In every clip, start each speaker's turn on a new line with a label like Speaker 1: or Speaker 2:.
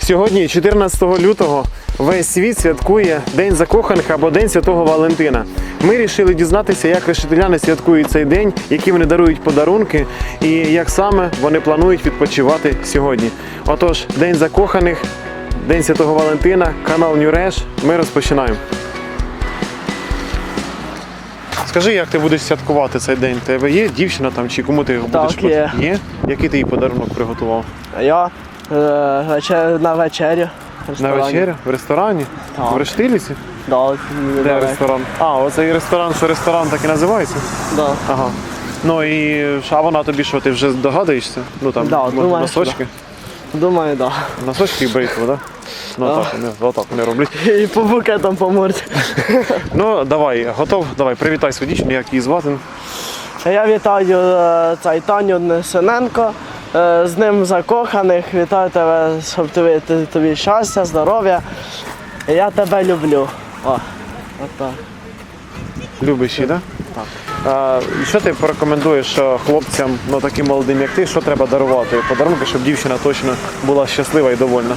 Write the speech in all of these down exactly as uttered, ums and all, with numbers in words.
Speaker 1: Сьогодні, чотирнадцятого лютого, весь світ святкує День закоханих або День Святого Валентина. Ми вирішили дізнатися, як решетиляни святкують цей день, які вони дарують подарунки і як саме вони планують відпочивати сьогодні. Отож, День закоханих, День Святого Валентина, канал Нюреш. Ми розпочинаємо. Скажи, як ти будеш святкувати цей день? У тебе є дівчина там чи кому ти його будеш?
Speaker 2: Так, є.
Speaker 1: Є? Який ти їй подарунок приготував?
Speaker 2: Я е, вечер... на вечерю. в
Speaker 1: На
Speaker 2: ресторані.
Speaker 1: вечерю? В ресторані?
Speaker 2: Так.
Speaker 1: В Рештилівці?
Speaker 2: Да,
Speaker 1: Де
Speaker 2: недалеко.
Speaker 1: ресторан? А, оцей ресторан, що ресторан так і називається?
Speaker 2: Да.
Speaker 1: Ага. Ну і а вона тобі що, ти вже здогадуєшся? Ну там
Speaker 2: Да,
Speaker 1: може,
Speaker 2: думаю,
Speaker 1: носочки?
Speaker 2: Думаю, так.
Speaker 1: Носочки і бритва, так? Ну
Speaker 2: Да.
Speaker 1: так, вони, отак вони роблять.
Speaker 2: Да. І по букетам по морді.
Speaker 1: Ну давай, готов? Давай, привітай свою дівчину, як її звати.
Speaker 2: Я вітаю е, цей Таню Несененко. Е, з ним закоханих. Вітаю тебе, щоб тобі, тобі, тобі щастя, здоров'я. Я тебе люблю. О, от так.
Speaker 1: Любиш її, так? Так. А, що ти порекомендуєш що хлопцям, ну таким молодим, як ти, що треба дарувати? Подарунки, щоб дівчина точно була щаслива і довольна.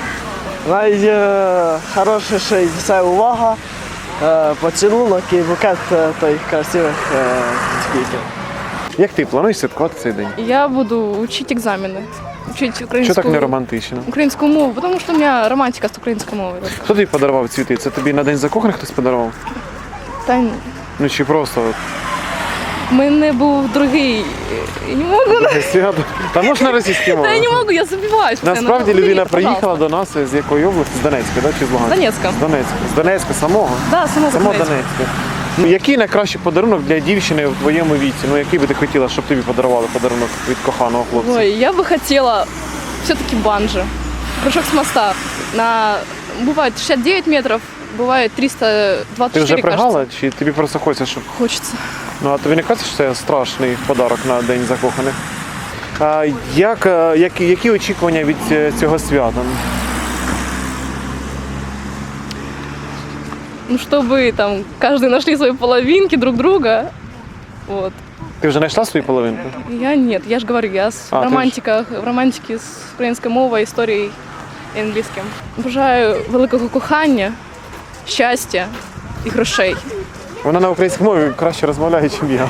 Speaker 2: Найхорошіше це увага, е, поцілунок і букет е, тих красивих е, квітів.
Speaker 1: Як ти плануєш святкувати цей день?
Speaker 3: Я буду учить экзамены, учить
Speaker 1: Що
Speaker 3: украинскую,
Speaker 1: так не романтично?
Speaker 3: украинскую мову, потому что у меня романтика с украинской мовой.
Speaker 1: Хто тобі подарував цвіти? Це тобі на День закоханих хтось подарував?
Speaker 3: Та ні.
Speaker 1: Ну чи просто от,
Speaker 3: в мене був другий, я не можу,
Speaker 1: свято? Та можна російські
Speaker 3: та
Speaker 1: мови?
Speaker 3: я не можу, я забиваюсь.
Speaker 1: Насправді
Speaker 3: постоянно.
Speaker 1: людина
Speaker 3: Привіт,
Speaker 1: приїхала до нас з якої області? З Донецька, да? Чи з Луганська?
Speaker 3: З Донецька.
Speaker 1: З Донецька. З Донецька самого?
Speaker 3: Да, само
Speaker 1: Само
Speaker 3: Донецьк.
Speaker 1: Донецька. Ну, який найкращий подарунок для дівчини в твоєму віці? Ну який би ти хотіла, щоб тобі подарували подарунок від коханого хлопця?
Speaker 3: Ой, я бы хотела все-таки банджи. Прыжок с моста. На, бывает шестьдесят девять метров, бывает триста двадцать
Speaker 1: Ти вже
Speaker 3: четыре,
Speaker 1: пригала,
Speaker 3: кажется.
Speaker 1: чи тобі просто хочеться, щоб...
Speaker 3: Хочется.
Speaker 1: Ну а тобі не кажеться, що це страшний подарок на День закоханих? А, як, е, які, які очікування від е, цього свята?
Speaker 3: Ну, чтобы там каждый нашли свои половинки друг друга. Вот.
Speaker 1: Ти вже знайшла свою половинку?
Speaker 3: Я нет, я же говорю, я с
Speaker 1: А,
Speaker 3: в
Speaker 1: ти ж-
Speaker 3: романтиках, в романтиці з українською мовою, історією і англійським. Бажаю великого кохання, щастя і грошей.
Speaker 1: Вона на українській мові краще розмовляє, ніж я.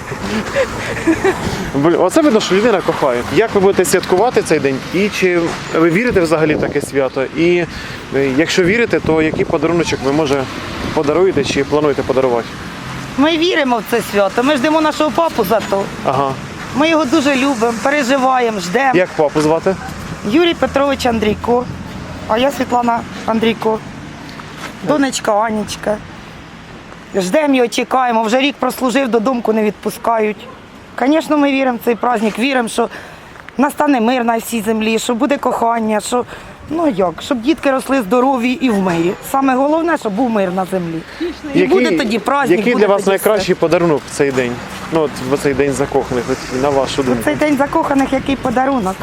Speaker 1: Блін, оце видно, що людина кохає. Як ви будете святкувати цей день? І чи ви вірите взагалі в таке свято? І е, якщо вірите, то який подаруночок ви, може, подаруєте чи плануєте подарувати?
Speaker 4: Ми віримо в це свято, ми ждемо нашого папу за то.
Speaker 1: Ага.
Speaker 4: Ми його дуже любимо, переживаємо, ждемо.
Speaker 1: Як папу звати?
Speaker 4: Юрій Петрович Андрійко, а я Світлана Андрійко, донечка Анічка. Ждемо його, чекаємо, вже рік прослужив, додому не відпускають. Звісно, ми віримо в цей праздник, віримо, що настане мир на всій землі, що буде кохання, що, ну як, щоб дітки росли здорові і в мирі. Саме головне, щоб був мир на землі. І буде тоді праздник,
Speaker 1: Який
Speaker 4: буде
Speaker 1: для вас
Speaker 4: тоді
Speaker 1: найкращий подарунок в цей день? Ну, от в цей день закоханих, от, на вашу
Speaker 4: все.
Speaker 1: думку.
Speaker 4: Цей день закоханих, який подарунок.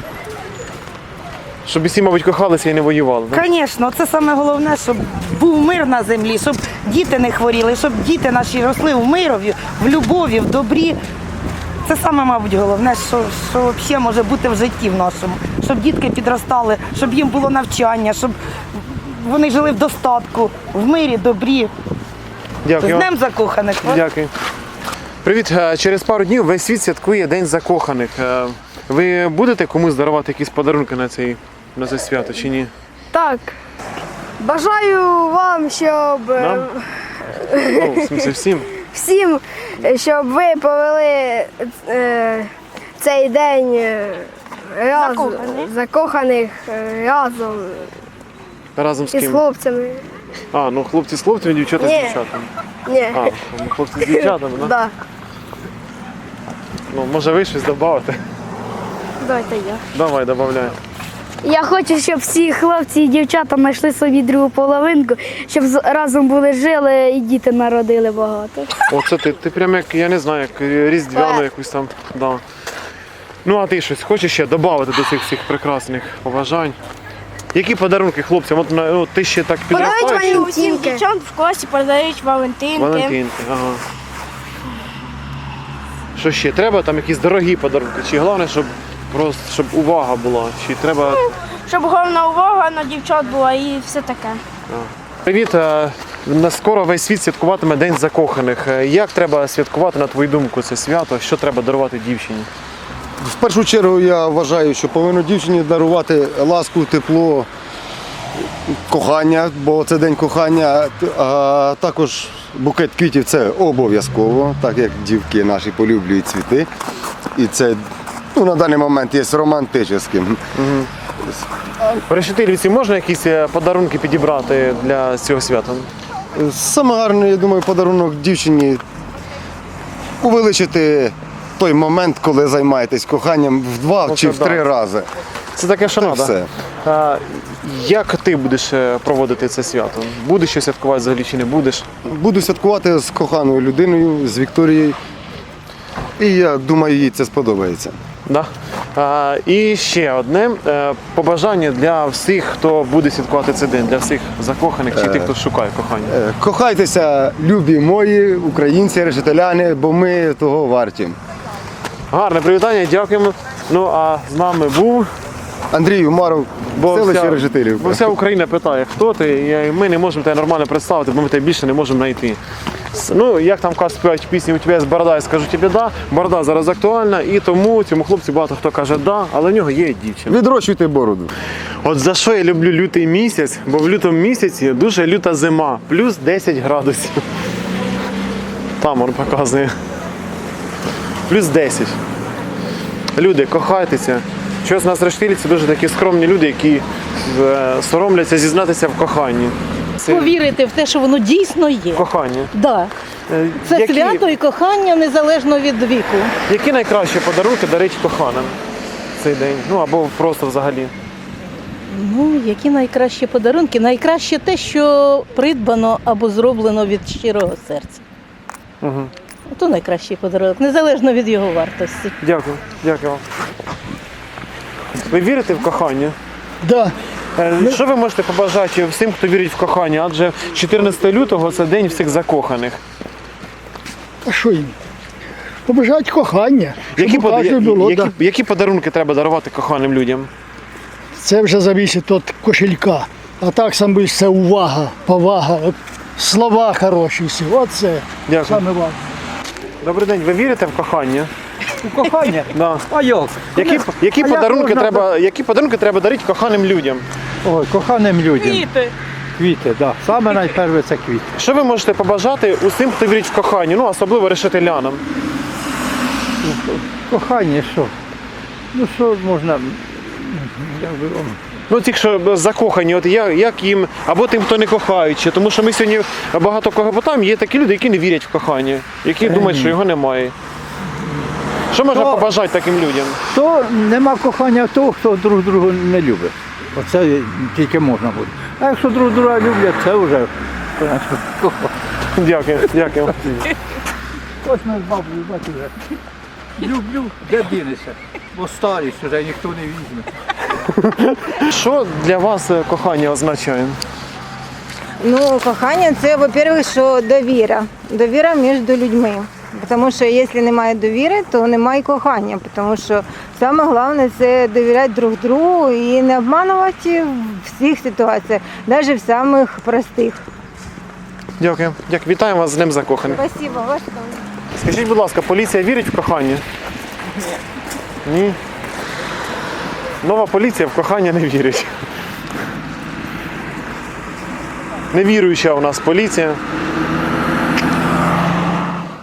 Speaker 1: Щоб всі, мабуть, кохалися і не воювали. Да?
Speaker 4: Звісно, це саме головне, щоб був мир на землі, щоб діти не хворіли, щоб діти наші росли в мирові, в любові, в добрі. Це саме, мабуть, головне, що, що взагалі може бути в житті в нашому. Щоб дітки підростали, щоб їм було навчання, щоб вони жили в достатку, в мирі, добрі. З
Speaker 1: Дякую.
Speaker 4: Днем закоханих.
Speaker 1: Дякую. Привіт. Е, Через пару днів весь світ святкує День закоханих. Е, Ви будете комусь дарувати якісь подарунки на цей, на це свято чи ні?
Speaker 5: Так. Бажаю вам, щоб е,
Speaker 1: Нам? Ну, в смысле, всім.
Speaker 5: всім, е, щоб ви повели е, цей день е, разом, закоханих е, разом
Speaker 1: Разом з
Speaker 5: із
Speaker 1: ким?
Speaker 5: хлопцями.
Speaker 1: А, ну хлопці з хлопцями, дівчата з
Speaker 5: Ні.
Speaker 1: дівчатами.
Speaker 5: Ні.
Speaker 1: А, ну, хлопці з дівчатами, да?
Speaker 5: Да.
Speaker 1: Ну, може ви щось додати?
Speaker 5: Давайте я.
Speaker 1: Давай, додай.
Speaker 6: Я хочу, щоб всі хлопці і дівчата знайшли собі другу половинку, щоб з- разом були жили і діти народили багато.
Speaker 1: Оце ти, ти прям як, я не знаю, як різдвяну якусь там, да. Ну, а ти щось хочеш ще додати до цих всіх прекрасних побажань? Які подарунки хлопцям? От, на- от ти ще так підростаєш?
Speaker 5: Усім
Speaker 7: Дівчат в класі передають Валентинки.
Speaker 1: Валентинки, ага. Що ще? Треба там якісь дорогі подарунки? Чи головне, щоб просто щоб увага була? Чи треба
Speaker 7: щоб головна увага на дівчат була і все таке.
Speaker 1: Привіт! е, на скоро весь світ святкуватиме День закоханих. Е, Як треба святкувати, на твою думку, це свято? Що треба дарувати дівчині?
Speaker 8: В першу чергу я вважаю, що повинно дівчині дарувати ласку, тепло, кохання, бо це день кохання, а також букет квітів це обов'язково, так як дівки наші полюблюють цвіти. І це ну, на даний момент є романтичним.
Speaker 1: В Решетилівці можна якісь е, подарунки підібрати для цього свята?
Speaker 8: Саме гарне, я думаю, подарунок дівчині увеличити той момент, коли займаєтесь коханням в два
Speaker 1: Ну,
Speaker 8: чи
Speaker 1: це
Speaker 8: в три
Speaker 1: да.
Speaker 8: рази.
Speaker 1: Це таке
Speaker 8: Це
Speaker 1: шана,
Speaker 8: все.
Speaker 1: да? Як ти будеш е, проводити це свято? Будеш щось святкувати взагалі чи не будеш?
Speaker 8: Буду святкувати з коханою людиною, з Вікторією. І я думаю, їй це сподобається.
Speaker 1: Да. А, і ще одне е, побажання для всіх, хто буде святкувати цей день, для всіх закоханих чи тих, хто шукає кохання.
Speaker 8: Е, Кохайтеся, любі мої, українці, решетиляни, бо ми того варті.
Speaker 1: Гарне привітання, дякуємо. Ну а з нами був.
Speaker 8: Андрій Умаров, селище
Speaker 1: вся,
Speaker 8: Решетилівка.
Speaker 1: бо вся Україна питає, хто ти, і ми не можемо тебе нормально представити, бо ми тебе більше не можемо знайти. С- Ну, як там кажуть, співають в пісні, у тебе є борода, я скажу тобі да. Борода зараз актуальна, і тому цьому хлопцю багато хто каже да, але в нього є дівчина.
Speaker 8: Відрощуйте бороду.
Speaker 1: От за що я люблю лютий місяць, бо в лютому місяці дуже люта зима, плюс десять градусів. Там він показує. Плюс десять. Люди, кохайтеся. Щось у нас в Рештилівці дуже такі скромні люди, які е, соромляться зізнатися в коханні. Це
Speaker 9: Повірити в те, що воно дійсно є.
Speaker 1: кохання.
Speaker 9: Да.
Speaker 1: Е,
Speaker 9: Це
Speaker 1: які,
Speaker 9: свято і кохання незалежно від віку.
Speaker 1: які найкращі подарунки дарить коханим в цей день? Ну або просто взагалі.
Speaker 9: Ну, які найкращі подарунки? Найкраще те, що придбано або зроблено від щирого серця.
Speaker 1: Угу.
Speaker 9: То найкращий подарунок, незалежно від його вартості.
Speaker 1: Дякую, дякую вам. Ви вірите в кохання?
Speaker 10: Да.
Speaker 1: Е, Що ви можете побажати всім, хто вірить в кохання? Адже чотирнадцятого лютого це день всіх закоханих.
Speaker 10: А що їм? Побажають кохання. Щоб
Speaker 1: Які,
Speaker 10: у
Speaker 1: пода-
Speaker 10: кожного було,
Speaker 1: які,
Speaker 10: да.
Speaker 1: які подарунки треба дарувати коханим людям?
Speaker 10: Це вже залежить від кошелька. А так саме це увага, повага, от слова хороші всі. Оце
Speaker 1: Дякую.
Speaker 10: саме важливе.
Speaker 1: Добрий день, ви вірите в кохання?
Speaker 11: У кохання?
Speaker 1: Да.
Speaker 11: А як?
Speaker 1: Які, які,
Speaker 11: а як
Speaker 1: подарунки
Speaker 11: можна-
Speaker 1: треба, які подарунки треба дарити коханим людям?
Speaker 11: Ой, коханим людям. Квіти. Квіти, так. Да. Саме найперше це квіти.
Speaker 1: Що ви можете побажати усім, хто вірить в кохання, ну особливо решетилянам?
Speaker 11: Кохання що? Ну що можна. як би, о,
Speaker 1: Ну, ті, що закохані, от як, як їм, або тим, хто не кохаючи. Тому що ми сьогодні багато кого питаємо, є такі люди, які не вірять в кохання, які думають, що його немає. Що можна
Speaker 11: То-
Speaker 1: побажати таким людям?
Speaker 11: То нема кохання того, хто друг друга не любить. Оце тільки можна буде. А якщо друг друга люблять, це вже кохання.
Speaker 1: Дякую, дякую.
Speaker 11: Ось ми з бабою, бачу вже. Люблю, де дінешся. Бо старість вже ніхто не візьме.
Speaker 1: Що для вас е, кохання означає?
Speaker 12: Ну, кохання це, во-первых, що довіра. Довіра між людьми. Тому що якщо немає довіри, то немає кохання. Тому що саме головне це довіряти друг другу і не обманувати в всіх ситуаціях, навіть в самих простих.
Speaker 1: Дякую. Дякую. Вітаємо вас з Днем закоханих.
Speaker 12: Спасибо, ваш
Speaker 1: Скажіть, будь ласка, поліція вірить в кохання? Ні. Ні. Нова поліція в кохання не вірить. Невіруюча у нас поліція.